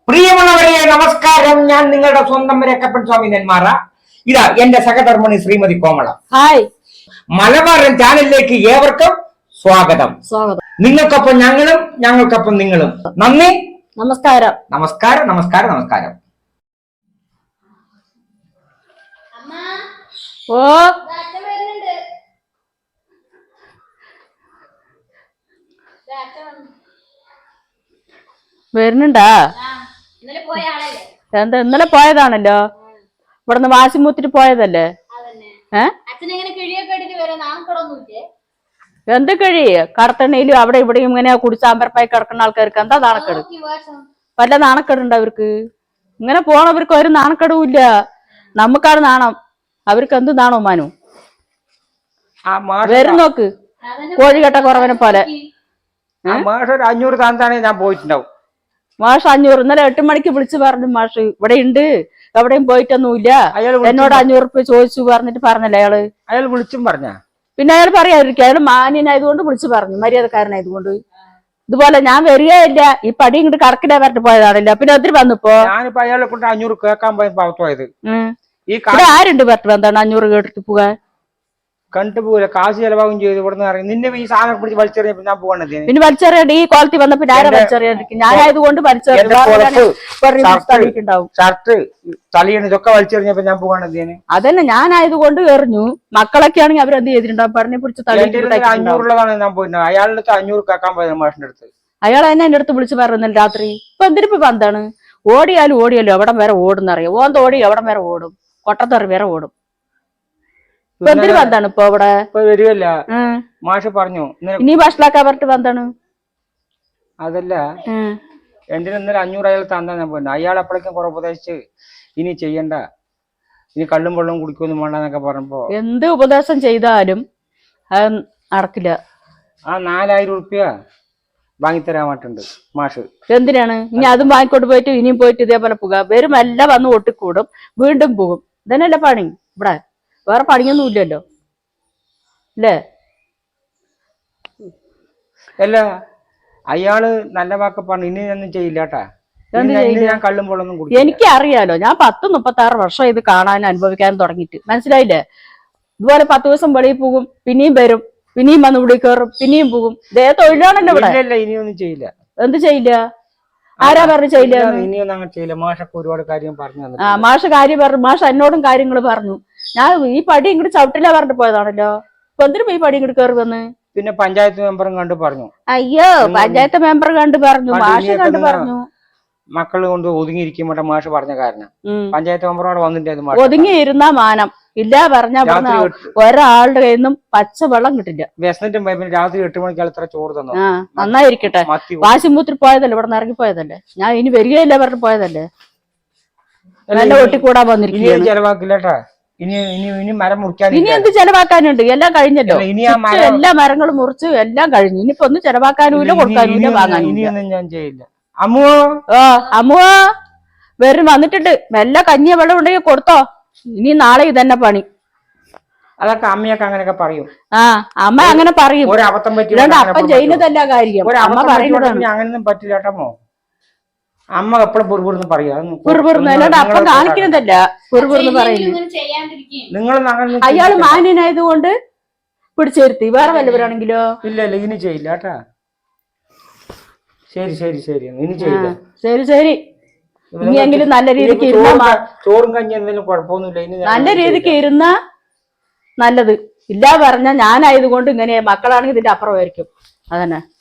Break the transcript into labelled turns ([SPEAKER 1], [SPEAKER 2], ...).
[SPEAKER 1] പ്രിയമുള്ളവരെ നമസ്കാരം. ഞാൻ നിങ്ങളുടെ സ്വന്തം രക്കപ്പൻ സ്വാമി നെന്മാറ. ഇതാ എന്റെ സഹധർമ്മിണി ശ്രീമതി കോമള.
[SPEAKER 2] ഹായ്,
[SPEAKER 1] മലബാരൻ ചാനലിലേക്ക് ഏവർക്കും സ്വാഗതം. നിങ്ങൾക്കൊപ്പം ഞങ്ങളും ഞങ്ങൾക്കൊപ്പം നിങ്ങളും. നന്ദി,
[SPEAKER 2] നമസ്കാരം.
[SPEAKER 1] നമസ്കാരം, നമസ്കാരം, നമസ്കാരം.
[SPEAKER 2] ഓ, വരുന്നുണ്ടാ? എന്താ ഇന്നലെ പോയതാണല്ലോ, ഇവിടുന്ന് വാശിമൂത്തിട്ട് പോയതല്ലേ? എന്ത് കഴി കടത്തണ്ണയിലും അവിടെ ഇവിടെയും ഇങ്ങനെ കുടിച്ചാമ്പരപ്പായി കിടക്കുന്ന ആൾക്കാർക്ക് എന്താ നാണക്കേട്? വല്ല നാണക്കേടുണ്ട് അവർക്ക്? ഇങ്ങനെ പോണവർക്ക് ഒരു നാണക്കേടുമില്ല. നമുക്കാണ് നാണം, അവർക്ക് എന്ത് നാണോ മാനു? വരും നോക്ക്, കോഴികെട്ട കുറവനെ പോലെ.
[SPEAKER 1] 500 താന്താണെ ഞാൻ പോയിട്ടുണ്ടാവും.
[SPEAKER 2] മാഷ് 500 ഇന്നലെ 8 മണിക്ക് വിളിച്ചു പറഞ്ഞു. മാഷ് ഇവിടെ ഉണ്ട്, എവിടെയും പോയിട്ടൊന്നുമില്ല, എന്നോട് 500 റുപ്യ ചോദിച്ചു പറഞ്ഞിട്ട് പറഞ്ഞല്ലേ അയാള്.
[SPEAKER 1] അയാൾ വിളിച്ചും പറഞ്ഞ
[SPEAKER 2] പിന്നെ അയാൾ പറയാതിരിക്കും, അയാൾ മാന്യനായതുകൊണ്ട് വിളിച്ചു പറഞ്ഞു, മര്യാദക്കാരനായതുകൊണ്ട്. ഇതുപോലെ ഞാൻ വരികയില്ല, ഈ പടി ഇങ്ങോട്ട് കറക്കിലാ പറഞ്ഞിട്ട് പോയതാണല്ലോ. പിന്നെ ഒത്തിരി വന്നിപ്പോ
[SPEAKER 1] ഞാനിപ്പോ അയാളെ കൊണ്ട് 500 കേൾക്കാൻ പോയത്.
[SPEAKER 2] ഇവിടെ ആരുണ്ട് പറഞ്ഞിട്ട് എന്താണ് 500 കേട്ടിട്ട് പോകാൻ?
[SPEAKER 1] കണ്ടുപോകില്ല, കാശ് ചെലവാകും ചെയ്തു. ഇവിടെ നിന്ന് നിന്നെ ഈ സാധനം പിടിച്ച് വലിച്ചെറിയപ്പോ ഞാൻ പോകണത്.
[SPEAKER 2] പിന്നെ വലിച്ചെറിയണ്ട, ഈ ക്വാളിറ്റി വന്നപ്പോ ആരാ വലിച്ചെറിയാണ്ടിരിക്കും? ഞാനായതുകൊണ്ട്
[SPEAKER 1] ഷർട്ട് തലയാണ് ഇതൊക്കെ വലിച്ചെറിഞ്ഞപ്പോ ഞാൻ പോകണത്.
[SPEAKER 2] അതന്നെ, ഞാനായതുകൊണ്ട് എറിഞ്ഞു. മക്കളൊക്കെ ആണെങ്കിൽ അവരെന്ത് ചെയ്തിട്ടുണ്ടാവും? പറഞ്ഞെ പിടിച്ച്
[SPEAKER 1] 500 ഞാൻ പോയിട്ട് അയാളുടെ 500 കേൾക്കാൻ പോയത് മാഷിന്റെ അടുത്ത്.
[SPEAKER 2] അയാൾ തന്നെ എന്റെ അടുത്ത് വിളിച്ച് പറഞ്ഞു രാത്രി. ഇപ്പൊ എന്തിനിപ്പോ എന്താണ്? ഓടിയാലും എവിടം വരെ ഓടുന്നറിയാം. ഓന്ത് ഓടി എവിടം വരെ ഓടും, കൊട്ടത്തറി വരെ ഓടും. ഇപ്പൊ എന്തിനു വന്നാണ് ഇപ്പൊ ഇവിടെ
[SPEAKER 1] വരുവല്ല? മാഷ് പറഞ്ഞു
[SPEAKER 2] ഇനി ഭക്ഷണാക്കാൻ പറഞ്ഞിട്ട് വന്നാണ്.
[SPEAKER 1] അതല്ല, എന്തിനും ഇന്നലെ 500 അയാൾ തന്നാ ഞാൻ പോയി. അയാൾ അപ്പോഴേക്കും കുറെ ഉപദേശിച്ച് ഇനി ചെയ്യണ്ട, ഇനി കള്ളും വെള്ളവും കുടിക്കൊന്നും വേണ്ടെന്നൊക്കെ പറഞ്ഞപ്പോ
[SPEAKER 2] എന്ത് ഉപദേശം ചെയ്താലും അത് നടക്കില്ല.
[SPEAKER 1] ആ 4000 റുപ്യ വാങ്ങിത്തരാമായിട്ടുണ്ട് മാഷ്.
[SPEAKER 2] എന്തിനാണ് ഇനി അതും വാങ്ങിക്കൊണ്ട് പോയിട്ട് ഇനിയും പോയിട്ട് ഇതേപോലെ പോകുക? വരും എല്ലാം വന്ന് ഒട്ടിക്കൂടും, വീണ്ടും പോകും. ഇതന്നെയല്ലേ പണി ഇവിടെ? വേറെ പണിയൊന്നും ഇല്ലല്ലോ അല്ലേ?
[SPEAKER 1] അല്ല, അയാള് നല്ല വാക്ക് പറഞ്ഞു, ഇനി ഒന്നും ചെയ്യില്ലാട്ടാ. ഞാൻ കള്ളും വെള്ളമൊന്നും കുടിക്കില്ല.
[SPEAKER 2] എനിക്കറിയാലോ, ഞാൻ 10-36 വർഷം ഇത് കാണാനും അനുഭവിക്കാനും തുടങ്ങിയിട്ട്. മനസ്സിലായില്ലേ? ഇതുപോലെ 10 ദിവസം വെളിയിൽ പോകും, പിന്നെയും വരും, പിന്നെയും വന്ന് ഇവിടെ കയറും, പിന്നെയും പോകും. ഇതേ തൊഴിലാണല്ലോ ഇവിടെ.
[SPEAKER 1] ഇനിയൊന്നും ചെയ്യില്ല.
[SPEAKER 2] എന്ത് ചെയ്യില്ല? ആരാ പറഞ്ഞു ചെയ്യില്ല?
[SPEAKER 1] ഇനിയൊന്നും അങ്ങനെ ചെയ്യില്ല. മാഷൊക്കെ ഒരുപാട് കാര്യം പറഞ്ഞു.
[SPEAKER 2] മാഷ് കാര്യം പറഞ്ഞു. മാഷ് എന്നോടും കാര്യങ്ങൾ പറഞ്ഞു. ഞാൻ ഈ പടി ഇങ്ങോട്ട് ചവിട്ടില്ല പറഞ്ഞിട്ട് പോയതാണല്ലോ. ഇപ്പൊ എന്തിനും ഈ പടി ഇങ്ങോട്ട് കയറി വന്ന്?
[SPEAKER 1] പിന്നെ പഞ്ചായത്ത് മെമ്പറും കണ്ടു പറഞ്ഞു.
[SPEAKER 2] അയ്യോ, പഞ്ചായത്ത് മെമ്പർ കണ്ടു പറഞ്ഞു, മാഷ് കണ്ടു പറഞ്ഞു.
[SPEAKER 1] മക്കള് കൊണ്ട് ഒതുങ്ങിയിരിക്കുമ്പോട്ടെ മാഷ് പറഞ്ഞ കാരണം പഞ്ചായത്ത് മെമ്പറോട് വന്നിട്ട്
[SPEAKER 2] ഒതുങ്ങി ഇരുന്നാ മാനം ഇല്ല പറഞ്ഞ ഒരാളുടെ കയ്യിൽ നിന്നും പച്ചവെള്ളം കിട്ടില്ല.
[SPEAKER 1] വിശന്നിട്ടും പിന്നെ രാത്രി 8 മണിക്കാൾ ഇത്ര ചോറ് തന്നു.
[SPEAKER 2] നന്നായിരിക്കട്ടെ. വാശിമൂത്തിരി പോയതല്ലേ, ഇവിടെ നിന്ന് ഇറങ്ങി പോയതല്ലേ. ഞാൻ ഇനി വരികയില്ല പറഞ്ഞിട്ട് പോയതല്ലേ. നല്ല ഒട്ടിക്കൂടാൻ വന്നിരിക്കും.
[SPEAKER 1] ചെലവാക്കില്ലട്ടാ. ഇനി മരം മുറിക്കാൻ
[SPEAKER 2] ഇനി എന്ത് ചെലവാക്കാനുണ്ട്? എല്ലാം കഴിഞ്ഞല്ലോ. എല്ലാ മരങ്ങളും മുറിച്ച് എല്ലാം കഴിഞ്ഞു. ഇനിയിപ്പോ ഒന്നും ചെലവാക്കാനുമില്ല, കൊടുക്കാനുമില്ല, വാങ്ങാനും
[SPEAKER 1] ഞാൻ ചെയ്യില്ല. അമ്മുവോ,
[SPEAKER 2] അമ്മുവോ വരും, വന്നിട്ടുണ്ട്. എല്ലാ കഞ്ഞിയ വെള്ളം ഉണ്ടെങ്കിൽ കൊടുത്തോ. ഇനി നാളെ ഇതന്നെ പണി.
[SPEAKER 1] അതൊക്കെ അമ്മയൊക്കെ അങ്ങനെയൊക്കെ പറയും.
[SPEAKER 2] അമ്മ അങ്ങനെ പറയും.
[SPEAKER 1] ഒരബദ്ധം പറ്റി
[SPEAKER 2] അപ്പം ചെയ്യുന്നതല്ല കാര്യം. അമ്മ പറയുന്നതാണ്.
[SPEAKER 1] അങ്ങനൊന്നും പറ്റില്ല കേട്ടമ്മോ. അമ്മ എപ്പോഴും പുറപുറന്ന് പറയാ.
[SPEAKER 2] അല്ലാണ്ട് അപ്പം കാണിക്കുന്നതല്ല പുറപുറന്ന് പറയുന്നു. അയാള് മാന്യനായതുകൊണ്ട് പിടിച്ചിരുത്തി. വേറെ വല്ലവരാണെങ്കിലോ?
[SPEAKER 1] ഇല്ല ഇനി ചെയ്യില്ല കേട്ടാ. ശരി ശരി ശരി, ഇനി ചെയ്യില്ല.
[SPEAKER 2] ശരി ശരി. ഇനിയെങ്കിലും നല്ല രീതിക്ക് ഇരുന്ന,
[SPEAKER 1] ചോറും കഞ്ഞി എന്തെങ്കിലും കുഴപ്പമൊന്നുമില്ല.
[SPEAKER 2] നല്ല രീതിക്ക് ഇരുന്ന നല്ലത്. ഇല്ല പറഞ്ഞ ഞാനായതുകൊണ്ട് ഇങ്ങനെ, മക്കളാണെങ്കിൽ ഇതിന്റെ അപ്പുറമായിരിക്കും. അതന്നെ.